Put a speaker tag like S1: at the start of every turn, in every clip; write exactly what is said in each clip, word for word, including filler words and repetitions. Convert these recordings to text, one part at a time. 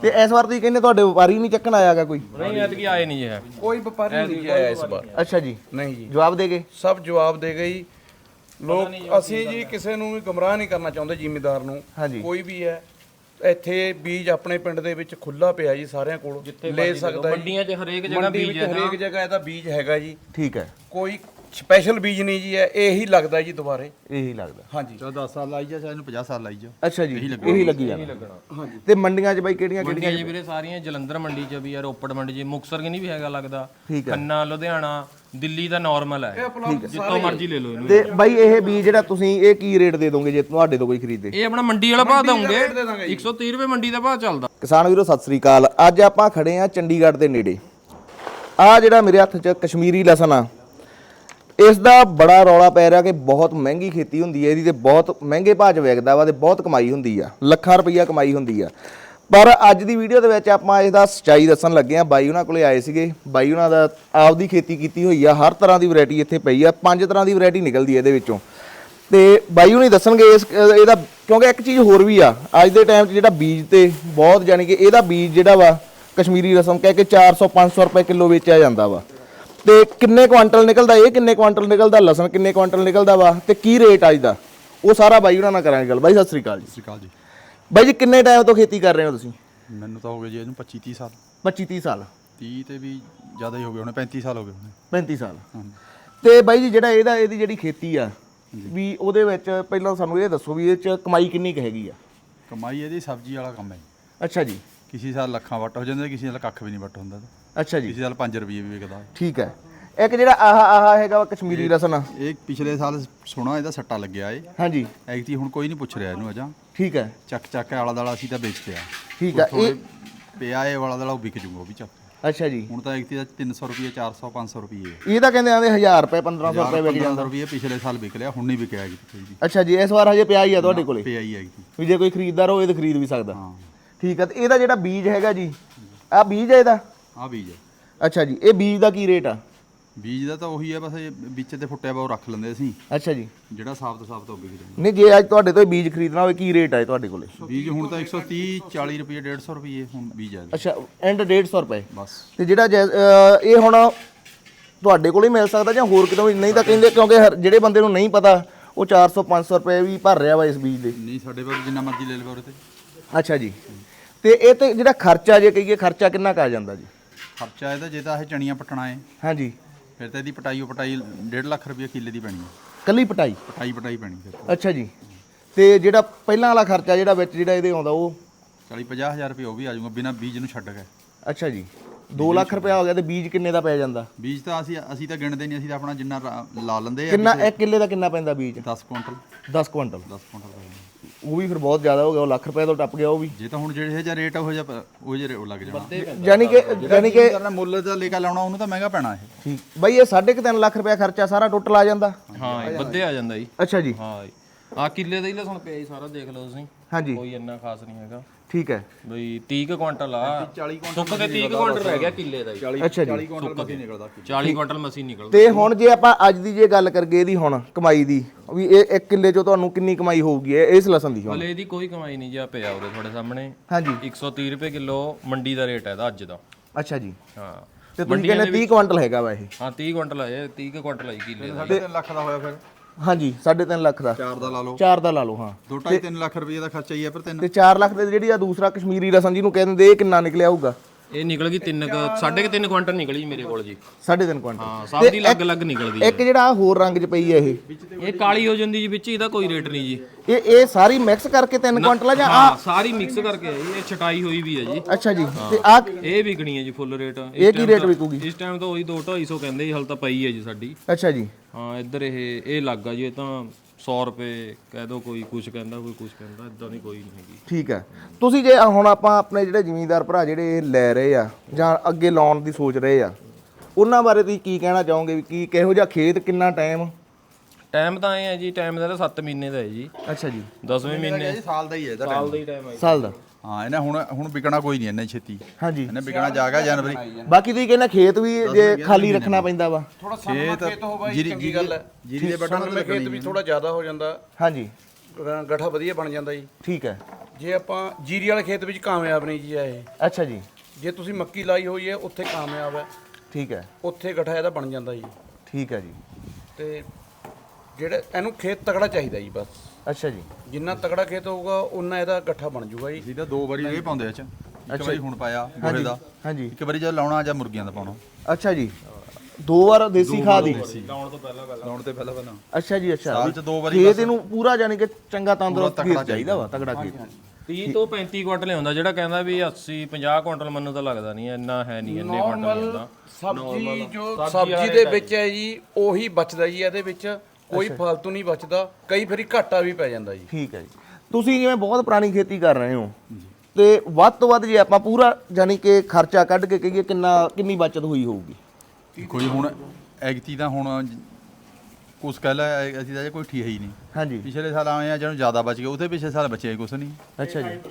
S1: ਤੇ ਇਸ ਵਾਰ ਤੁਸੀਂ ਕਹਿੰਦੇ ਤੁਹਾਡੇ ਵਪਾਰੀ ਨਹੀਂ ਚੱਕਣ ਆਇਆਗਾ ਕੋਈ?
S2: ਨਹੀਂ ਐਤਕੀ ਆਏ ਨਹੀਂ ਹੈ
S3: ਕੋਈ ਵਪਾਰੀ ਨਹੀਂ ਆਇਆ ਇਸ ਵਾਰ।
S1: ਅੱਛਾ ਜੀ,
S3: ਨਹੀਂ ਜੀ,
S1: ਜਵਾਬ ਦੇ ਗਏ
S3: ਸਭ ਜਵਾਬ ਦੇ ਗਈ। ਲੋਕ ਅਸੀਂ ਜੀ ਕਿਸੇ ਨੂੰ ਵੀ ਗਮਰਾਹ ਨਹੀਂ ਕਰਨਾ ਚਾਹੁੰਦੇ ਜ਼ਿਮੀਂਦਾਰ ਨੂੰ।
S1: ਹਾਂਜੀ।
S3: ਕੋਈ ਵੀ ਹੈ ਇੱਥੇ ਬੀਜ ਆਪਣੇ ਪਿੰਡ ਦੇ ਵਿੱਚ ਖੁੱਲਾ ਪਿਆ ਜੀ, ਸਾਰਿਆਂ ਕੋਲ ਲੈ ਸਕਦਾ ਜੀ।
S2: ਮੰਡੀਆਂ 'ਚ ਹਰੇਕ ਜਗ੍ਹਾ
S3: ਮੰਡੀ
S2: ਬੀਜ
S3: ਵਿੱਚ
S2: ਹੈ
S3: ਹਰੇਕ ਜਗ੍ਹਾ ਇਹਦਾ ਬੀਜ ਹੈਗਾ ਜੀ।
S1: ਠੀਕ ਹੈ,
S3: ਕੋਈ ਸਪੈਸ਼ਲ ਬੀਜ ਨਹੀਂ ਜੀ, ਹੈ ਇਹੀ ਲੱਗਦਾ ਜੀ ਦੁਬਾਰੇ।
S1: ਇਹੀ ਲੱਗਦਾ।
S3: ਹਾਂਜੀ,
S4: ਦਸ ਸਾਲ ਲਾਈ ਜਾ ਚਾਹੇ ਇਹਨੂੰ ਪੰਜਾਹ ਸਾਲ ਲਾਈ ਜਾ।
S1: ਅੱਛਾ ਜੀ, ਇਹੀ ਲੱਗੀ ਜਾਣਾ।
S3: ਹਾਂਜੀ।
S1: ਤੇ ਮੰਡੀਆਂ 'ਚ ਬਾਈ ਕਿਹੜੀਆਂ ਕਿਹੜੀਆਂ?
S2: ਮੰਡੀਆਂ 'ਚ ਵੀਰੇ ਸਾਰੀਆਂ ਜਲੰਧਰ ਮੰਡੀ 'ਚ ਵੀ ਆ, ਰੋਪੜ ਮੰਡੀ 'ਚ, ਮੁਕਤਸਰ ਨਹੀਂ ਵੀ ਹੈਗਾ ਲੱਗਦਾ,
S1: ਠੀਕ ਹੈ।
S2: ਖੰਨਾ, ਲੁਧਿਆਣਾ, ਦਿੱਲੀ ਦਾ ਨਾਰਮਲ ਹੈ, ਜਿੱਥੋਂ ਮਰਜ਼ੀ ਲੈ ਲਓ ਇਹਨੂੰ।
S1: ਤੇ ਬਾਈ ਇਹ ਬੀਜ ਜਿਹੜਾ ਤੁਸੀਂ ਇਹ ਕੀ ਰੇਟ ਦੇ ਦੋਗੇ ਜੇ ਤੁਹਾਡੇ ਤੋਂ ਕੋਈ ਖਰੀਦੇ?
S2: ਇਹ ਆਪਣਾ ਮੰਡੀ ਵਾਲਾ ਭਾਅ ਦਵਾਂਗੇ, ਇੱਕ ਸੌ ਤੀਹ ਰੁਪਏ ਮੰਡੀ ਦਾ ਭਾਅ ਚੱਲਦਾ।
S1: ਕਿਸਾਨ ਵੀਰੋ ਸਤਿ ਸ੍ਰੀ ਅਕਾਲ। ਅੱਜ ਆਪਾਂ ਖੜੇ ਆ ਚੰਡੀਗੜ੍ਹ ਦੇ ਨੇੜੇ। ਆ ਜਿਹੜਾ ਮੇਰੇ ਹੱਥ 'ਚ ਕਸ਼ਮੀਰੀ ਲਸਣ ਆ, ਇਸ ਦਾ ਬੜਾ ਰੌਲਾ ਪੈ ਰਿਹਾ ਕਿ ਬਹੁਤ ਮਹਿੰਗੀ ਖੇਤੀ ਹੁੰਦੀ ਹੈ ਇਹਦੀ, ਤੇ ਬਹੁਤ ਮਹਿੰਗੇ ਭਾਅ 'ਚ ਵਿਕਦਾ ਵਾ ਤੇ ਬਹੁਤ ਕਮਾਈ ਹੁੰਦੀ ਆ, ਲੱਖਾਂ ਰੁਪਈਆ ਕਮਾਈ ਹੁੰਦੀ ਆ। ਪਰ ਅੱਜ ਦੀ ਵੀਡੀਓ ਦੇ ਵਿੱਚ ਆਪਾਂ ਇਹਦਾ ਸੱਚਾਈ ਦੱਸਣ ਲੱਗੇ ਆ। ਬਾਈ ਉਹਨਾਂ ਕੋਲੇ ਆਏ ਸੀਗੇ, ਬਾਈ ਉਹਨਾਂ ਦਾ ਆਪਦੀ ਖੇਤੀ ਕੀਤੀ ਹੋਈ ਆ, ਹਰ ਤਰ੍ਹਾਂ ਦੀ ਵੈਰਾਈਟੀ ਇੱਥੇ ਪਈ ਆ, ਪੰਜ ਤਰ੍ਹਾਂ ਦੀ ਵੈਰਾਈਟੀ ਨਿਕਲਦੀ ਹੈ ਇਹਦੇ ਵਿੱਚੋਂ। ਤੇ ਬਾਈ ਉਹਨੇ ਦੱਸਣਗੇ ਇਸ ਇਹਦਾ, ਕਿਉਂਕਿ ਇੱਕ ਚੀਜ਼ ਹੋਰ ਵੀ ਆ ਅੱਜ ਦੇ ਟਾਈਮ 'ਚ ਜਿਹੜਾ ਬੀਜ ਤੇ ਬਹੁਤ, ਯਾਨੀ ਕਿ ਇਹਦਾ ਬੀਜ ਜਿਹੜਾ ਵਾ ਕਸ਼ਮੀਰੀ ਲਸਣ ਕਹਿ ਕੇ ਚਾਰ ਸੌ ਪੰਜ ਸੌ ਰੁਪਏ ਕਿਲੋ ਵੇਚਿਆ ਜਾਂਦਾ ਵਾ। ਤੇ ਕਿੰਨੇ ਕੁਆਂਟਲ ਨਿਕਲਦਾ, ਇਹ ਕਿੰਨੇ ਕੁਆਂਟਲ ਨਿਕਲਦਾ, ਲਸਣ ਕਿੰਨੇ ਕੁਆਂਟਲ ਨਿਕਲਦਾ ਵਾ, ਤੇ ਕੀ ਰੇਟ ਅੱਜ ਦਾ, ਉਹ ਸਾਰਾ ਬਾਈ ਉਹਨਾਂ ਨਾਲ ਕਰਾਂਗੇ ਗੱਲ। ਬਾਈ ਸਤਿ ਸ੍ਰੀ ਅਕਾਲ ਜੀ।
S4: ਸਤਿ ਸ਼੍ਰੀ ਅਕਾਲ ਜੀ।
S1: ਬਾਈ ਜੀ ਕਿੰਨੇ ਟਾਈਮ ਤੋਂ ਖੇਤੀ ਕਰ ਰਹੇ ਹੋ ਤੁਸੀਂ?
S4: ਮੈਨੂੰ ਤਾਂ ਹੋ ਗਏ ਜੀ ਇਹਨੂੰ ਪੱਚੀ ਤੀਹ ਸਾਲ।
S1: ਪੱਚੀ ਤੀਹ ਸਾਲ?
S4: ਤੀਹ ਤੇ ਵੀ ਜ਼ਿਆਦਾ ਹੀ ਹੋ ਗਏ ਹੋਣੇ, ਪੈਂਤੀ ਸਾਲ ਹੋ ਗਏ ਹੋਣੇ।
S1: ਪੈਂਤੀ ਸਾਲ।
S4: ਹਾਂਜੀ।
S1: ਤੇ ਬਾਈ ਜੀ ਜਿਹੜਾ ਇਹਦਾ ਇਹਦੀ ਜਿਹੜੀ ਖੇਤੀ ਆ ਵੀ ਉਹਦੇ ਵਿੱਚ ਪਹਿਲਾਂ ਸਾਨੂੰ ਇਹ ਦੱਸੋ ਵੀ ਇਹ 'ਚ ਕਮਾਈ ਕਿੰਨੀ ਕੁ ਹੈਗੀ ਆ?
S4: ਕਮਾਈ ਇਹਦੀ ਸਬਜ਼ੀ ਵਾਲਾ ਕੰਮ ਹੈ ਜੀ।
S1: ਅੱਛਾ ਜੀ।
S4: ਕਿਸੇ ਸਾਲ ਲੱਖਾਂ ਵੱਟ ਹੋ ਜਾਂਦੇ, ਕਿਸੇ ਸਾਲ ਕੱਖ ਵੀ ਨਹੀਂ ਵੱਟ ਹੁੰਦਾ,
S1: ਅੱਛਾ ਜੀ।
S4: ਕਿਸੇ ਸਾਲ ਪੰਜ ਰੁਪਏ ਵੀ ਵਿਕਦਾ।
S1: ਠੀਕ ਹੈ। ਇੱਕ ਜਿਹੜਾ ਆਹ ਆਹ ਹੈਗਾ ਵਾ ਕਸ਼ਮੀਰੀ ਲਸਣ ਆ,
S4: ਇਹ ਪਿਛਲੇ ਸਾਲ ਸੋਹਣਾ ਇਹਦਾ ਸੱਟਾ ਲੱਗਿਆ ਏ।
S1: ਹਾਂਜੀ।
S4: ਐਕਤੀ ਹੁਣ ਕੋਈ ਨਹੀਂ ਪੁੱਛ ਰਿਹਾ ਇਹਨੂੰ ਅਜਾਂ।
S1: ਠੀਕ ਹੈ।
S4: ਚੱਕ ਚੱਕ ਕੇ ਆਲਾ ਦਾਲਾ ਅਸੀਂ ਤਾਂ ਵੇਚ ਪਿਆ।
S1: ਠੀਕ ਹੈ। ਇਹ
S4: ਪਿਆ ਇਹ ਵਾਲਾ ਦਾਲਾ ਉਹ ਵਿਕ ਜੂਗਾ ਉਹ ਵੀ ਚੱਕ।
S1: ਅੱਛਾ ਜੀ।
S4: ਹੁਣ ਤਾਂ ਐਕਤੀ ਦਾ ਤਿੰਨ ਸੌ ਰੁਪਏ, ਚਾਰ ਸੌ, ਪੰਜ ਸੌ ਰੁਪਏ।
S1: ਇਹ ਤਾਂ ਕਹਿੰਦੇ ਆਂਦੇ ਹਜ਼ਾਰ ਰੁਪਏ, ਪੰਦਰਾਂ ਸੌ ਰੁਪਏ ਵਿਕ
S4: ਪੰਦਰਾਂ
S1: ਜਾਂਦਾ।
S4: ਸੌ ਰੁਪਏ ਪਿਛਲੇ ਸਾਲ ਵਿਕ ਲਿਆ, ਹੁਣ ਨਹੀਂ ਵਿਕਿਆ ਜੀ।
S1: ਅੱਛਾ ਜੀ। ਇਸ ਵਾਰ ਹਜੇ ਪਿਆ ਹੀ ਆ ਤੁਹਾਡੇ ਕੋਲੇ?
S4: ਪਿਆ ਹੀ ਐਕਤੀ।
S1: ਵੀ ਜੇ ਕੋਈ ਖਰੀਦਦਾਰ ਹੋਵੇ ਤਾਂ ਖਰੀਦ ਵੀ ਸਕਦਾ।
S4: ਹਾਂ।
S1: ਠੀਕ ਹੈ। ਤੇ ਇਹਦਾ ਜਿਹੜਾ ਬੀਜ ਹੈਗਾ ਜੀ, ਆਹ ਬੀਜ ਹੈ ਇਹਦਾ?
S4: ਆਹ ਬੀਜ ਹੈ।
S1: ਅੱਛਾ ਜੀ। ਇਹ ਬੀਜ ਦਾ ਕੀ ਰੇਟ ਆ?
S4: ਬੀਜ ਦਾ ਤਾਂ ਉਹੀ ਹੈ, ਬਸ ਇਹ ਵਿੱਚ ਤੇ ਫੁੱਟਿਆ ਵਾ ਉਹ ਰੱਖ ਲੈਂਦੇ ਅਸੀਂ।
S1: ਅੱਛਾ ਜੀ।
S4: ਜਿਹੜਾ ਸਾਫਤ ਸਾਫਤ ਹੋ ਵਿਕ ਜਾਂਦਾ।
S1: ਨਹੀਂ, ਜੇ ਅੱਜ ਤੁਹਾਡੇ ਤੋਂ ਬੀਜ ਖਰੀਦਣਾ ਹੋਵੇ ਕੀ ਰੇਟ ਆ ਤੁਹਾਡੇ ਕੋਲੇ?
S4: ਬੀਜ ਹੁਣ ਤਾਂ ਇੱਕ ਸੌ ਤੀਹ ਚਾਲੀ ਰੁਪਏ, ਡੇਢ ਸੌ ਰੁਪਏ ਹੁਣ ਬੀਜ ਹੈ
S1: ਅੱਛਾ, ਐਂਡ ਡੇਢ ਸੌ ਰੁਪਏ
S4: ਬਸ।
S1: ਤੇ ਜਿਹੜਾ ਜੈ- ਅਹ ਇਹ ਹੁਣ ਤੁਹਾਡੇ ਕੋਲ ਹੀ ਮਿਲ ਸਕਦਾ ਜਾਂ ਹੋਰ ਕਿਤੋਂ ਵੀ? ਨਹੀਂ ਤਾਂ ਕਹਿੰਦੇ ਕਿਉਂਕਿ ਹਰ- ਜਿਹੜੇ ਬੰਦੇ ਨੂੰ ਨਹੀਂ ਪਤਾ ਉਹ ਚਾਰ ਸੌ ਪੰਜ ਸੌ ਰੁਪਏ ਵੀ ਭਰ ਰਿਹਾ ਵਾ ਇਸ ਬੀਜ ਦੇ।
S4: ਨਹੀਂ, ਸਾਡੇ ਕੋਲ ਜਿੰਨਾ ਮਰਜ਼ੀ ਲੈ ਲਵੇ ਉਹਦੇ ਤੇ।
S1: ਅੱਛਾ ਜੀ। ਤੇ ਇਹ ਤੇ ਜਿਹੜਾ ਖਰਚਾ ਜੇ ਕਹੀਏ, ਖਰਚਾ ਕਿੰਨਾ ਕੁ ਆ ਜਾਂਦਾ ਜੀ?
S4: ਖਰਚਾ ਇਹਦਾ ਜੇ ਤਾਂ ਇਹ ਚਣੀਆਂ ਪਟਣਾ ਹੈ
S1: ਹਾਂਜੀ।
S4: ਫਿਰ ਤਾਂ ਇਹਦੀ ਪਟਾਈ ਉਹ ਪਟਾਈ ਡੇਢ ਲੱਖ ਰੁਪਏ ਕਿੱਲੇ ਦੀ ਪੈਣੀ ਹੈ।
S1: ਕੱਲੀ ਪਟਾਈ?
S4: ਪਟਾਈ ਪਟਾਈ ਪੈਣੀ ਫਿਰ।
S1: ਅੱਛਾ ਜੀ। ਤੇ ਜਿਹੜਾ ਪਹਿਲਾਂ ਵਾਲਾ ਖਰਚਾ ਜਿਹੜਾ ਵਿੱਚ ਜਿਹੜਾ ਇਹਦੇ ਆਉਂਦਾ ਉਹ?
S4: ਚਾਲੀ ਪੰਜਾਹ ਹਜ਼ਾਰ ਰੁਪਏ ਉਹ ਵੀ ਆ ਜਾਊਗਾ ਬਿਨਾਂ ਬੀਜ ਨੂੰ ਛੱਡ ਕੇ।
S1: ਅੱਛਾ ਜੀ। ਦੋ ਲੱਖ ਰੁਪਇਆ ਹੋ ਗਿਆ। ਤੇ ਬੀਜ ਕਿੰਨੇ ਦਾ ਪੈ ਜਾਂਦਾ?
S4: ਬੀਜ ਤਾਂ ਅਸੀਂ ਅਸੀਂ ਤਾਂ ਗਿਣਦੇ ਨਹੀਂ, ਅਸੀਂ ਤਾਂ ਆਪਣਾ ਜਿੰਨਾ ਰਾ- ਲਾ ਲੈਂਦੇ ਆ।
S1: ਕਿੰਨਾ ਇੱਕ ਕਿੱਲੇ ਦਾ ਕਿੰਨਾ ਪੈਂਦਾ ਬੀਜ?
S4: ਦਸ ਕੁਇੰਟਲ।
S1: ਦਸ ਕੁਇੰਟਲ?
S4: ਦਸ ਕੁਇੰਟਲ ਪੈ ਜਾਂਦਾ।
S1: ਉਹ ਵੀ ਫਿਰ ਬਹੁਤ ਜ਼ਿਆਦਾ ਹੋ ਗਿਆ, ਉਹ ਲੱਖ ਰੁਪਏ ਤੋਂ ਟੱਪ ਗਿਆ ਉਹ ਵੀ।
S4: ਜੇ ਤਾਂ ਹੁਣ ਜਿਹੜੇ ਜਿਹਾ ਰੇਟ ਉਹ ਜਿਹਾ ਉਹ ਜਿਹੇ ਉਹ ਲੱਗ ਜਾਣਾ।
S1: ਯਾਨੀ ਕਿ ਯਾਨੀ ਕਿ
S4: ਕਰਨਾ ਮੁੱਲ ਦਾ ਲੈ ਕੇ ਲਾਉਣਾ ਉਹਨੂੰ ਤਾਂ ਮਹਿੰਗਾ ਪੈਣਾ ਇਹ।
S1: ਠੀਕ ਬਾਈ, ਇਹ ਸਾਢੇ ਕੁ ਤਿੰਨ ਲੱਖ ਰੁਪਇਆ ਖਰਚਾ ਸਾਰਾ ਟੋਟਲ ਆ ਜਾਂਦਾ?
S2: ਹਾਂ ਇਹ ਵੱਧੇ ਆ ਜਾਂਦਾ ਜੀ।
S1: ਅੱਛਾ ਜੀ।
S2: ਹਾਂ ਜੀ। ਆ ਕਿੱਲੇ ਦਾ ਹੀ ਲਸਣ ਪਿਆ ਜੀ ਸਾਰਾ, ਦੇਖ ਲਓ ਤੁਸੀਂ।
S1: ਹਾਂਜੀ।
S2: ਕੋਈ ਇੰਨਾ ਖਾਸ ਨਹੀਂ ਹੈਗਾ।
S1: ਠੀਕ ਹੈ।
S2: ਬਈ ਤੀਹ ਕੁ ਕੁਆਂਟਲ ਆ, ਸੁੱਕ ਕੇ ਤੀਹ ਕੁ ਕੁਆਂਟਲ ਰਹਿ ਗਿਆ ਕਿੱਲੇ ਦਾ ਜੀ।
S1: ਅੱਛਾ ਜੀ।
S4: ਚਾਲੀ ਕੁਇੰਟਲ ਮਸੀਂ ਨਿਕਲਦਾ।
S2: ਚਾਲੀ ਕੁਆਂਟਲ ਮਸੀਂ ਨਿਕਲਦਾ।
S1: ਤੇ ਹੁਣ ਜੇ ਆਪਾਂ ਅੱਜ ਦੀ ਜੇ ਗੱਲ ਕਰਗੇ ਇਹਦੀ ਹੁਣ ਕਮਾਈ ਦੀ, ਵੀ ਇਹ ਇੱਕ ਕਿੱਲੇ ਚੋਂ ਤੁਹਾਨੂੰ ਕਿੰਨੀ ਕਮਾਈ ਹੋਊਗੀ ਇਹ ਇਸ ਲਸਣ ਦੀ?
S2: ਹਲੇ ਇਹਦੀ ਕੋਈ ਕਮਾਈ ਨਹੀਂ ਜੀ, ਆ ਪਿਆ ਉਹਦੇ ਤੁਹਾਡੇ ਸਾਹਮਣੇ।
S1: ਹਾਂਜੀ।
S2: ਇੱਕ ਸੌ ਤੀਹ ਰੁਪਏ ਕਿਲੋ ਮੰਡੀ ਦਾ ਰੇਟ ਹੈ ਇਹਦਾ ਅੱਜ ਦਾ।
S1: ਅੱਛਾ ਜੀ।
S2: ਹਾਂ।
S1: ਤੇ ਤੁਸੀਂ ਕਹਿੰਦੇ ਤੀਹ ਕੁਇੰਟਲ ਹੈਗਾ ਵਾ ਇਹ?
S2: ਹਾਂ ਤੀਹ ਕੁਆਂਟਲ ਹੈ, ਤੀਹ ਕੁ ਕੁਆਂਟਲ ਹੈ ਜੀ ਕਿੱਲੇ ਦਾ।
S4: ਸਾਢੇ ਤਿੰਨ ਲੱਖ ਦਾ ਹੋਇਆ ਫਿਰ।
S1: ਹਾਂਜੀ, ਸਾਢੇ ਤਿੰਨ ਲੱਖ ਦਾ।
S4: ਚਾਰ ਦਾ ਲਾ ਲਓ।
S1: ਚਾਰ ਦਾ ਲਾ ਲਓ। ਹਾਂ।
S4: ਦੋ ਢਾਈ ਤਿੰਨ ਲੱਖ ਰੁਪਏ ਦਾ ਖਰਚਾ ਹੀ ਹੈ ਪਰ ਤਿੰਨ।
S1: ਤੇ ਚਾਰ ਲੱਖ ਦੇ ਜਿਹੜੀ ਆ ਦੂਸਰਾ ਕਸ਼ਮੀਰੀ ਲਸਣ ਜਿਹਨੂੰ ਕਹਿੰਦੇ, ਇਹ ਕਿੰਨਾ ਨਿਕਲਿਆ ਹੋਊਗਾ?
S2: ਇਹ ਨਿਕਲ ਗਈ ਤਿੰਨ ਕੁ ਸਾਢੇ ਕੁ ਤਿੰਨ ਕੁਆਂਟਲ ਨਿਕਲੀ ਮੇਰੇ ਕੋਲ ਜੀ।
S1: ਸਾਢੇ ਤਿੰਨ ਕੁਇੰਟਲ?
S2: ਹਾਂ, ਸਭ ਦੀ ਅਲੱਗ ਅਲੱਗ ਨਿਕਲਦੀ ਹੈ।
S1: ਇੱਕ ਜਿਹੜਾ ਆਹ ਹੋਰ ਰੰਗ 'ਚ ਪਈ ਹੈ ਇਹ,
S2: ਇਹ ਕਾਲੀ ਹੋ ਜਾਂਦੀ ਜੀ ਵਿੱਚ, ਇਹਦਾ ਕੋਈ ਰੇਟ ਨਹੀਂ ਜੀ।
S1: ਇਹ ਇਹ ਸਾਰੀ ਮਿਕਸ ਕਰਕੇ ਤਿੰਨ ਕੁਇੰਟਲ ਆ ਜਾਂ ਆ?
S2: ਹਾਂ ਸਾਰੀ ਮਿਕਸ ਕਰਕੇ ਹੈ ਜੀ, ਇਹ ਛਟਾਈ ਹੋਈ ਵੀ ਹੈ ਜੀ।
S1: ਅੱਛਾ ਜੀ। ਤੇ ਆ
S2: ਇਹ ਵਿਕਣੀ ਹੈ ਜੀ ਫੁੱਲ ਰੇਟ।
S1: ਇਹ ਕੀ ਰੇਟ ਵਿਕੂਗੀ?
S2: ਇਸ ਟਾਈਮ ਤਾਂ ਉਹੀ ਦੋ ਢਾਈ ਸੌ ਕਹਿੰਦੇ ਜੀ, ਹਲ ਤਾਂ ਪਈ ਹੈ ਜੀ ਸਾਡੀ।
S1: ਅੱਛਾ ਜੀ।
S2: ਹਾਂ ਇੱਧਰ ਇਹ ਇਹ ਲੱਗਾ ਜੀ, ਇਹ ਤਾਂ ਸੌ ਰੁਪਏ ਕਹਿ ਦੋ, ਕੋਈ ਕੁਝ ਕਹਿੰਦਾ ਕੋਈ ਕੁਝ ਕਹਿੰਦਾ, ਇਦਾਂ ਦੀ ਕੋਈ ਨਹੀਂ ਹੈਗੀ।
S1: ਠੀਕ ਹੈ। ਤੁਸੀਂ ਜੇ ਹੁਣ ਆਪਾਂ ਆਪਣੇ ਜਿਹੜੇ ਜ਼ਿਮੀਂਦਾਰ ਭਰਾ ਜਿਹੜੇ ਇਹ ਲੈ ਰਹੇ ਆ ਜਾਂ ਅੱਗੇ ਲਾਉਣ ਦੀ ਸੋਚ ਰਹੇ ਆ, ਉਹਨਾਂ ਬਾਰੇ ਤੁਸੀਂ ਕੀ ਕਹਿਣਾ ਚਾਹੋਗੇ? ਵੀ ਕੀ ਕਿਹੋ ਜਿਹਾ ਖੇਤ, ਕਿੰਨਾ ਟਾਈਮ?
S2: ਟਾਈਮ ਤਾਂ ਐ ਹੈ ਜੀ, ਟਾਈਮ ਦਾ ਤਾਂ ਸੱਤ ਮਹੀਨੇ ਦਾ ਹੈ ਜੀ।
S1: ਅੱਛਾ ਜੀ।
S2: ਦਸਵੇਂ ਮਹੀਨੇ
S4: ਸਾਲ ਦਾ ਹੀ ਹੈ ਇਹਦਾ
S2: ਸਾਲ ਦਾ ਹੀ ਟਾਈਮ ਹੈ।
S1: ਸਾਲ ਦਾ?
S4: ਹਾਂ। ਇਹਨੇ ਹੁਣ ਹੁਣ ਵਿਕਣਾ ਕੋਈ ਨਹੀਂ ਇਹਨੇ ਛੇਤੀ।
S1: ਹਾਂਜੀ।
S4: ਇਹਨੇ ਵਿਕਣਾ ਜਾਗਾ ਜਨਵਰੀ।
S1: ਬਾਕੀ ਤੁਸੀਂ ਕਹਿੰਦੇ ਖੇਤ ਵੀ ਜੇ ਖਾਲੀ ਰੱਖਣਾ ਪੈਂਦਾ ਵਾ?
S3: ਥੋੜਾ ਸਮਾਂ ਖੇਤ ਹੋ ਬਾਈ, ਚੰਗੀ ਗੱਲ ਹੈ।
S4: ਜੀਰੀ ਦੇ ਵੱਢਣ
S3: ਖੇਤ ਵੀ ਥੋੜਾ ਜ਼ਿਆਦਾ ਹੋ ਜਾਂਦਾ।
S1: ਹਾਂਜੀ।
S3: ਗਠਾ ਵਧੀਆ ਬਣ ਜਾਂਦਾ ਜੀ।
S1: ਠੀਕ ਹੈ।
S3: ਜੇ ਆਪਾਂ ਜੀਰੀ ਵਾਲੇ ਖੇਤ ਵਿੱਚ ਕਾਮਯਾਬ ਨਹੀਂ ਜੀ ਇਹ।
S1: ਅੱਛਾ ਜੀ,
S3: ਜੇ ਤੁਸੀਂ ਮੱਕੀ ਲਾਈ ਹੋਈ ਹੈ ਉੱਥੇ ਕਾਮਯਾਬ ਹੈ,
S1: ਠੀਕ ਹੈ
S3: ਉੱਥੇ ਗੱਠਾ ਇਹਦਾ ਬਣ ਜਾਂਦਾ ਜੀ।
S1: ਠੀਕ ਹੈ ਜੀ।
S3: ਤੇ ਜਿਹੜੇ ਇਹਨੂੰ ਖੇਤ ਤਕੜਾ ਚਾਹੀਦਾ ਜੀ ਬਸ।
S1: ਅੱਛਾ ਜੀ,
S3: ਜਿੰਨਾ ਤਕੜਾ ਖੇਤ ਹੋਊਗਾ ਉਨਾ ਇਹਦਾ ਗੱਠਾ ਬਣ ਜੂਗਾ ਜੀ।
S4: ਜਿਹਦਾ ਦੋ ਵਾਰੀ ਇਹ ਪਾਉਂਦੇ ਆ ਚ ਇੱਕ ਵਾਰੀ ਹੁਣ ਪਾਇਆ ਗੋਹੇ ਦਾ,
S1: ਹਾਂਜੀ
S4: ਇੱਕ ਵਾਰੀ ਜਦ ਲਾਉਣਾ ਜਾਂ ਮੁਰਗੀਆਂ ਦਾ ਪਾਉਣਾ।
S1: ਅੱਛਾ ਜੀ, ਦੋ ਵਾਰ ਦੇਸੀ ਖਾਦ ਹੀ
S2: ਲਾਉਣ ਤੋਂ ਪਹਿਲਾਂ ਪਹਿਲਾਂ
S4: ਲਾਉਣ ਤੇ ਪਹਿਲਾਂ ਪਹਿਲਾਂ
S1: ਅੱਛਾ ਜੀ। ਅੱਛਾ
S4: ਸਾਲ ਚ ਦੋ ਵਾਰੀ
S1: ਖੇਤ ਇਹਨੂੰ ਪੂਰਾ ਜਾਨੀ ਕਿ ਚੰਗਾ ਤੰਦਰੁਸਤ ਖੇਤ ਚਾਹੀਦਾ ਵਾ, ਤਗੜਾ ਖੇਤ।
S2: ਤੀਹ ਤੋਂ ਪੈਂਤੀ ਕੁਇੰਟਲ ਲਿਆਉਂਦਾ, ਜਿਹੜਾ ਕਹਿੰਦਾ ਵੀ ਅੱਸੀ ਪੰਜਾਹ ਕੁਇੰਟਲ ਮੈਨੂੰ ਤਾਂ ਲੱਗਦਾ ਨਹੀਂ ਇੰਨਾ ਹੈ ਨਹੀਂ, ਇੰਨੇ ਕੁਇੰਟਲ ਲਿਆਉਂਦਾ।
S3: ਸਬਜ਼ੀ ਜੋ ਸਬਜ਼ੀ ਦੇ ਵਿੱਚ ਹੈ ਜੀ ਉਹੀ ਬਚਦਾ ਜੀ, ਇਹਦੇ ਵਿੱਚ ਕੋਈ ਫਾਲਤੂ ਨਹੀਂ ਬਚਦਾ। ਕਈ ਵਾਰੀ ਘਾਟਾ ਵੀ ਪੈ ਜਾਂਦਾ ਜੀ।
S1: ਠੀਕ ਹੈ ਜੀ। ਤੁਸੀਂ ਜਿਵੇਂ ਬਹੁਤ ਪੁਰਾਣੀ ਖੇਤੀ ਕਰ ਰਹੇ ਹੋ ਤੇ ਵੱਧ ਤੋਂ ਵੱਧ ਜੇ ਆਪਾਂ ਪੂਰਾ ਜਾਨੀ ਕਿ ਖਰਚਾ ਕੱਢ ਕੇ ਕਹੀਏ ਕਿੰਨਾ ਕਿੰਨੀ ਬਚਤ ਹੋਈ ਹੋਊਗੀ?
S4: ਕੋਈ ਹੁਣ ਐਗਤੀ ਦਾ ਹੁਣ ਕੁਛ ਕਹਿ ਲੈ ਅਸੀਂ ਤਾਂ ਕੋਈ ਠੀਕ ਹੀ ਨਹੀਂ।
S1: ਹਾਂਜੀ,
S4: ਪਿਛਲੇ ਸਾਲ ਆਏ ਆ ਜਿਹਨੂੰ ਜ਼ਿਆਦਾ ਬਚ ਗਿਆ, ਉਹਦੇ ਪਿਛਲੇ ਸਾਲ ਬਚਿਆ ਹੀ ਕੁਛ ਨਹੀਂ।
S1: ਅੱਛਾ ਜੀ।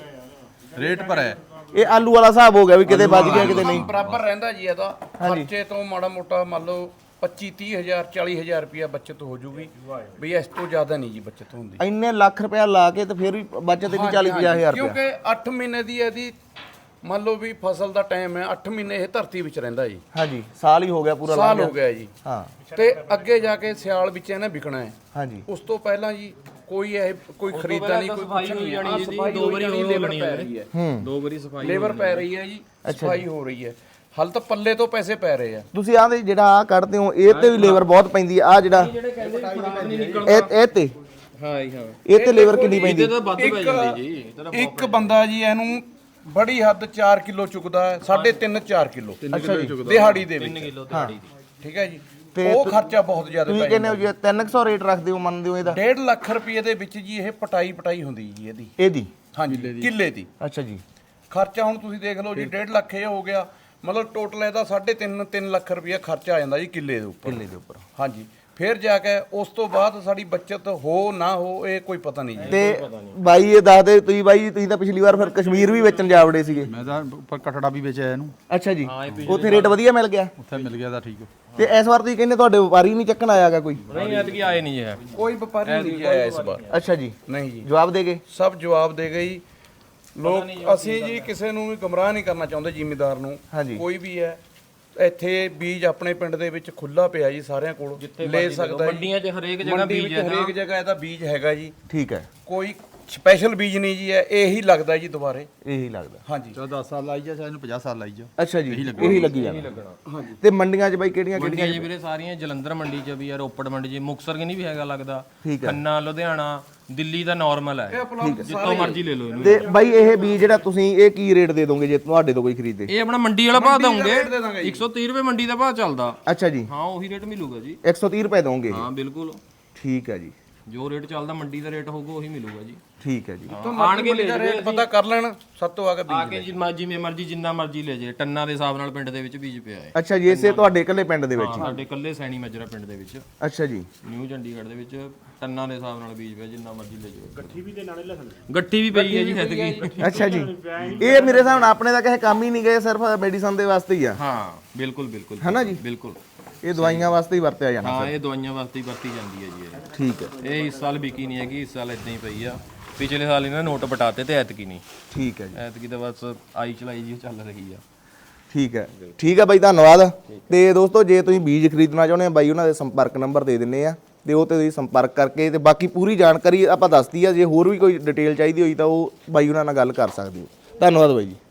S4: ਰੇਟ ਪਰ ਹੈ
S1: ਇਹ ਆਲੂ ਵਾਲਾ ਹਿਸਾਬ ਹੋ ਗਿਆ ਵੀ ਕਿਤੇ ਬਚ ਗਿਆ ਕਿਤੇ ਨਹੀਂ।
S3: ਬਰਾਬਰ ਰਹਿੰਦਾ ਜੀ ਇਹਦਾ। ਖਰਚੇ ਤੋਂ ਮਾੜਾ ਮੋਟਾ ਮੰਨ ਲਓ ਪੱਚੀ ਤੀਹ ਹਜ਼ਾਰ ਚਾਲੀ ਹਜ਼ਾਰ ਰੁਪਇਆ ਬਚਤ ਹੋ ਜੂਗੀ ਵੀ, ਇਸ ਤੋਂ ਜ਼ਿਆਦਾ ਨਹੀਂ ਜੀ ਬਚਤ ਹੁੰਦੀ।
S1: ਇੰਨੇ ਲੱਖ ਰੁਪਇਆ ਲਾ ਕੇ ਤੇ ਫਿਰ ਵੀ ਬਚਤ ਇਹਦੀ ਚਾਲੀ ਪੰਜਾਹ ਹਜ਼ਾਰ ਰੁਪਇਆ।
S3: ਕਿਉਂਕਿ ਅੱਠ ਮਹੀਨੇ ਦੀ ਇਹਦੀ ਮੰਨ ਲਓ ਵੀ ਫਸਲ ਦਾ ਟਾਈਮ ਹੈ, ਅੱਠ ਮਹੀਨੇ ਇਹ ਧਰਤੀ ਵਿੱਚ ਰਹਿੰਦਾ ਜੀ।
S1: ਹਾਂਜੀ, ਸਾਲ ਹੀ ਹੋ ਗਿਆ ਪੂਰਾ
S3: ਸਾਲ
S1: ਲੰਘ
S3: ਹੋ ਗਿਆ ਜੀ।
S1: ਹਾਂ
S3: ਤੇ ਅੱਗੇ ਜਾ ਕੇ ਸਿਆਲ ਵਿੱਚ ਇਹਨੇ ਵਿਕਣਾ ਹੈ।
S1: ਹਾਂਜੀ,
S3: ਉਸ ਤੋਂ ਪਹਿਲਾਂ ਜੀ ਕੋਈ ਇਹ ਕੋਈ ਖਰੀਦਦਾ ਨਹੀਂ, ਕੋਈ ਕੁਛ ਨਹੀਂ।
S2: ਜਾਣੀ ਜੀ,
S3: ਸਫਾਈ
S2: ਦੋ ਵਾਰੀ ਹੋਰ
S3: ਲੇਬਰ
S2: ਹੋਣੀ
S3: ਪੈ
S2: ਹੈ।
S3: ਰਹੀ ਹੈ,
S1: ਹੂੰ
S2: ਦੋ ਵਾਰੀ ਸਫਾਈ
S3: ਲੇਬਰ ਪੈ ਰਹੀ ਹੈ ਜੀ, ਸਫਾਈ ਹੋ ਰਹੀ ਹੈ। ਹਲ ਤਾਂ ਪੱਲੇ ਤੋਂ ਪੈਸੇ ਪੈ ਰਹੇ ਆ।
S1: ਤੁਸੀਂ ਆਹ ਦੇ ਜਿਹੜਾ ਆ ਕੱਢਦੇ ਹੋ ਇਹ ਤੇ ਵੀ ਲੇਬਰ ਬਹੁਤ ਪੈਂਦੀ ਆ। ਆ ਜਿਹੜਾ
S2: ਜਿਹੜੇ ਕਹਿੰਦੇ ਖਰਾਬ ਨਹੀਂ ਨਿਕਲ
S1: ਇਹ ਇਹ ਤੇ
S2: ਹਾਂ ਜੀ ਹਾਂ,
S1: ਇਹ ਤੇ ਲੇਬਰ ਕਿੰਨੀ ਪੈਂਦੀ?
S2: ਇਹਦੇ ਤਾਂ ਵੱਧ ਪੈ ਜਾਂਦੀ ਜੀ। ਇਹਦਾ ਤਾਂ
S3: ਇੱਕ ਬੰਦਾ ਜੀ ਇਹਨੂੰ ਬੜੀ ਹੱਦ ਚਾਰ ਕਿਲੋ ਚੁੱਕਦਾ ਹੈ, ਸਾਢੇ ਤਿੰਨ ਚਾਰ ਕਿਲੋ ਦਿਹਾੜੀ ਦੇ ਵਿੱਚ।
S2: ਤਿੰਨ ਕਿਲੋ ਦਿਹਾੜੀ ਦੀ।
S3: ਠੀਕ ਹੈ ਜੀ। ਉਹ ਖਰਚਾ ਬਹੁਤ ਜ਼ਿਆਦਾ
S1: ਤੁਸੀਂ
S3: ਪੈ
S1: ਕਹਿੰਦੇ
S3: ਜਾਂਦਾ।
S1: ਹੋ ਜੇ ਤਿੰਨ ਸੌ ਰੇਟ ਰੱਖਦੇ ਹੋ ਮੰਨਦੇ ਹੋ ਇਹਦਾ?
S3: ਡੇਢ ਲੱਖ ਰੁਪਏ ਦੇ ਵਿੱਚ ਜੀ ਇਹ ਪਟਾਈ ਪਟਾਈ ਹੁੰਦੀ ਜੀ ਇਹਦੀ।
S1: ਇਹਦੀ?
S3: ਹਾਂਜੀ, ਕਿੱਲੇ ਦੀ।
S1: ਅੱਛਾ ਜੀ।
S3: ਖਰਚਾ ਹੁਣ ਤੁਸੀਂ ਦੇਖ ਲਓ ਜੀ, ਡੇਢ ਲੱਖ ਇਹ ਹੋ ਗਿਆ, ਮਤਲਬ ਟੋਟਲ ਇਹਦਾ ਸਾਢੇ ਤਿੰਨ ਤਿੰਨ ਲੱਖ ਰੁਪਏ ਖਰਚਾ ਆ ਜਾਂਦਾ ਜੀ ਕਿੱਲੇ ਦੇ ਉੱਪਰ।
S1: ਕਿੱਲੇ ਦੇ ਉੱਪਰ।
S3: ਹਾਂਜੀ। ਫਿਰ ਜਾ ਕੇ ਉਸ ਤੋਂ ਬਾਅਦ ਸਾਡੀ ਬਚਤ ਹੋ ਨਾ ਹੋ ਇਹ ਕੋਈ ਪਤਾ ਨਹੀਂ ਜੀ।
S1: ਤੇ ਬਾਈ ਇਹ ਦੱਸਦੇ ਤੁਸੀਂ ਬਾਈ ਜੀ, ਤੁਸੀਂ ਤਾਂ ਪਿਛਲੀ ਵਾਰ ਫਿਰ ਕਸ਼ਮੀਰ ਵੀ ਵੇਚਣ ਜਾ ਵੜੇ ਸੀਗੇ।
S4: ਮੈਂ ਤਾਂ ਉੱਪਰ ਕਟੜਾ ਵੀ ਵੇਚਿਆ ਇਹਨੂੰ,
S1: ਅੱਛਾ ਜੀ, ਉੱਥੇ ਰੇਟ ਵਧੀਆ ਮਿਲ ਗਿਆ
S4: ਉੱਥੇ ਮਿਲ ਗਿਆ ਤਾਂ ਠੀਕ।
S1: ਤੇ ਇਸ ਵਾਰ ਤੁਸੀਂ ਕਹਿੰਦੇ ਤੁਹਾਡੇ ਵਪਾਰੀ ਨਹੀਂ ਚੱਕਣ ਆਇਆਗਾ ਕੋਈ?
S2: ਨਹੀਂ ਐਤਕੀ ਆਏ ਨਹੀਂ ਹੈ
S3: ਕੋਈ ਵਪਾਰੀ ਨਹੀਂ ਆਇਆ ਇਸ ਵਾਰ।
S1: ਅੱਛਾ ਜੀ,
S3: ਨਹੀਂ ਜੀ,
S1: ਜਵਾਬ ਦੇ ਗਏ?
S3: ਸਭ ਜਵਾਬ ਦੇ ਗਈ। ਲੋਕ ਅਸੀਂ ਜੀ ਕਿਸੇ ਨੂੰ ਵੀ ਗੁੰਮਰਾਹ ਨਹੀਂ ਕਰਨਾ ਚਾਹੁੰਦੇ, ਜ਼ਿਮੀਦਾਰ ਨੂੰ।
S1: ਹਾਂਜੀ।
S3: ਕੋਈ ਵੀ ਹੈ ਇੱਥੇ ਬੀਜ ਆਪਣੇ ਪਿੰਡ ਦੇ ਵਿੱਚ ਖੁੱਲਾ ਪਿਆ ਜੀ, ਸਾਰਿਆਂ ਕੋਲ ਲੈ ਸਕਦਾ ਜੀ।
S2: ਮੰਡੀਆਂ 'ਚ ਹਰੇਕ ਜਗ੍ਹਾ
S3: ਮੰਡੀ
S2: ਬੀਜ
S3: ਵਿੱਚ
S2: ਹੈ
S3: ਹਰੇਕ ਜਗ੍ਹਾ ਇਹਦਾ ਬੀਜ ਹੈਗਾ ਜੀ।
S1: ਠੀਕ ਹੈ,
S3: ਕੋਈ ਸਪੈਸ਼ਲ ਬੀਜ ਨਹੀਂ ਜੀ, ਹੈ ਇਹੀ ਲੱਗਦਾ ਜੀ ਦੁਬਾਰੇ।
S1: ਇਹੀ ਲੱਗਦਾ।
S3: ਹਾਂਜੀ।
S4: ਚਲ ਦਸ ਸਾਲ ਲਾਈ ਜਾ, ਚਾਹੇ ਇਹਨੂੰ ਪੰਜਾਹ ਸਾਲ ਲਾਈ ਜਾ।
S1: ਅੱਛਾ ਜੀ, ਇਹੀ ਲੱਗੀ ਜਾਣਾ।
S3: ਹਾਂਜੀ।
S1: ਤੇ ਮੰਡੀਆਂ 'ਚ ਬਾਈ ਕਿਹੜੀਆਂ
S2: ਮੰਡੀਆਂ
S1: ਕਿਹੜੀਆਂ?
S2: 'ਚ ਵੀਰੇ ਸਾਰੀਆਂ, ਜਲੰਧਰ ਮੰਡੀ 'ਚ ਵੀ ਆ, ਰੋਪੜ ਮੰਡੀ 'ਚ, ਮੁਕਤਸਰ ਕਿ ਨਹੀਂ ਵੀ ਹੈਗਾ ਲੱਗਦਾ,
S1: ਠੀਕ ਹੈ।
S2: ਖੰਨਾ, ਲੁਧਿਆਣਾ, ਦਿੱਲੀ ਦਾ ਨਾਰਮਲ ਹੈ, ਜਿੱਥੋਂ ਮਰਜ਼ੀ ਲੈ ਲਓ ਇਹਨੂੰ।
S1: ਤੇ ਬਾਈ ਇਹ ਬੀਜ ਜਿਹੜਾ ਤੁਸੀਂ ਇਹ ਕੀ ਰੇਟ ਦੇ ਦੋਗੇ ਜੇ ਤੁਹਾਡੇ ਤੋਂ ਕੋਈ ਖਰੀਦੇ?
S2: ਇਹ ਆਪਣਾ ਮੰਡੀ ਵਾਲਾ ਭਾਅ ਦਵਾਂਗੇ, ਇੱਕ ਸੌ ਤੀਹ ਰੁਪਏ ਮੰਡੀ ਦਾ ਭਾਅ ਚੱਲਦਾ।
S1: ਅੱਛਾ ਜੀ,
S2: ਹਾਂ ਉਹੀ ਰੇਟ ਮਿਲੂਗਾ ਜੀ।
S1: ਇੱਕ ਸੌ ਤੀਹ ਰੁਪਏ ਦੋਗੇ?
S2: ਹਾਂ ਬਿਲਕੁਲ,
S1: ਠੀਕ ਹੈ ਜੀ,
S2: ਜੋ ਰੇਟ ਚੱਲਦਾ ਮੰਡੀ ਦਾ ਰੇਟ ਹੋਊਗਾ ਉਹੀ ਮਿਲੂਗਾ ਜੀ।
S1: ਠੀਕ ਹੈ ਜੀ।
S2: ਆਣ ਕੇ ਲੈ
S3: ਦਾ
S2: ਜਾਵੇ
S3: ਰੇਟ ਪਤਾ ਕਰ ਲੈਣ, ਸਭ ਤੋਂ ਆ ਕੇ
S2: ਆ
S3: ਬੀਜ
S2: ਕੇ ਜਿੰਨਾ ਜਿਵੇਂ ਮਰਜ਼ੀ ਜਿੰਨਾ ਮਰਜ਼ੀ ਲੈ ਜੇ, ਟੰਨਾਂ ਦੇ ਹਿਸਾਬ ਨਾਲ ਪਿੰਡ ਦੇ ਵਿੱਚ ਬੀਜ ਪਿਆ ਹੈ।
S1: ਅੱਛਾ ਜੀ, ਇਸੇ ਤੁਹਾਡੇ ਇਕੱਲੇ ਪਿੰਡ ਦੇ ਵਿੱਚ?
S2: ਸਾਡੇ ਕੱਲੇ ਸੈਣੀ ਮਜਰਾ ਪਿੰਡ ਦੇ ਵਿੱਚ,
S1: ਅੱਛਾ ਜੀ,
S2: ਨਿਊ ਚੰਡੀਗੜ੍ਹ ਦੇ ਵਿੱਚ ਟੰਨਾਂ ਦੇ ਹਿਸਾਬ ਨਾਲ ਬੀਜ ਪਿਆ, ਜਿੰਨਾ ਮਰਜ਼ੀ ਲੈ ਜਾਓ। ਗੱਠੀ ਵੀ ਤੇ ਨਾਲੇ ਲਸਣ, ਗੱਠੀ ਵੀ ਪਈ ਹੈ ਜੀ ਐਤਕੀ।
S1: ਅੱਛਾ ਜੀ, ਇਹ ਮੇਰੇ ਹਿਸਾਬ ਨਾਲ ਆਪਣੇ ਤਾਂ ਕਿਸੇ ਕੰਮ ਹੀ ਨਹੀਂ ਗਏ, ਸਿਰਫ ਮੈਡੀਸਨ ਦੇ ਵਾਸਤੇ ਹੀ ਆ।
S2: ਹਾਂ ਬਿਲਕੁਲ ਬਿਲਕੁਲ
S1: ਹੈ ਨਾ ਜੀ?
S2: ਬਿਲਕੁਲ,
S1: ਇਹ ਦਵਾਈਆਂ ਵਾਸਤੇ ਹੀ ਵਰਤਿਆ ਜਾਣਾ।
S2: ਹਾਂ ਇਹ ਦਵਾਈਆਂ ਵਾਸਤੇ ਹੀ ਵਰਤੀ ਜਾਂਦੀ ਹੈ ਜੀ ਇਹ।
S1: ਠੀਕ ਹੈ,
S2: ਇਹ ਇਸ ਸਾਲ ਵਿਕੀ ਨਹੀਂ ਹੈਗੀ, ਇਸ ਸਾਲ ਇਦਾਂ ਹੀ ਪਈ ਆ। ਪਿਛਲੇ ਸਾਲ ਇਹਨਾਂ ਨੇ ਨੋਟ ਪਟਾਤੇ ਤੇ ਐਤਕੀ ਨਹੀਂ।
S1: ਠੀਕ ਹੈ ਜੀ,
S2: ਐਤਕੀ ਤਾਂ ਬਸ ਆਈ ਚਲਾਈ ਜੀ ਚੱਲ ਰਹੀ ਆ।
S1: ਠੀਕ ਹੈ, ਠੀਕ ਹੈ ਬਾਈ, ਧੰਨਵਾਦ। ਤੇ ਦੋਸਤੋ ਜੇ ਤੁਸੀਂ ਬੀਜ ਖਰੀਦਣਾ ਚਾਹੁੰਦੇ ਆ ਬਾਈ ਉਹਨਾਂ ਦੇ ਸੰਪਰਕ ਨੰਬਰ ਦੇ ਦਿੰਨੇ ਆ, ਤੇ ਉਹ ਤੇ ਤੁਸੀਂ ਸੰਪਰਕ ਕਰਕੇ ਤੇ ਬਾਕੀ ਪੂਰੀ ਜਾਣਕਾਰੀ ਆਪਾਂ ਦੱਸਦੀ ਆ। ਜੇ ਹੋਰ ਵੀ ਕੋਈ ਡਿਟੇਲ ਚਾਹੀਦੀ ਹੋਈ ਤਾਂ ਉਹ ਬਾਈ ਉਹਨਾਂ ਨਾਲ ਗੱਲ ਕਰ ਸਕਦੇ ਹੋ। ਧੰਨਵਾਦ ਬਾਈ ਜੀ।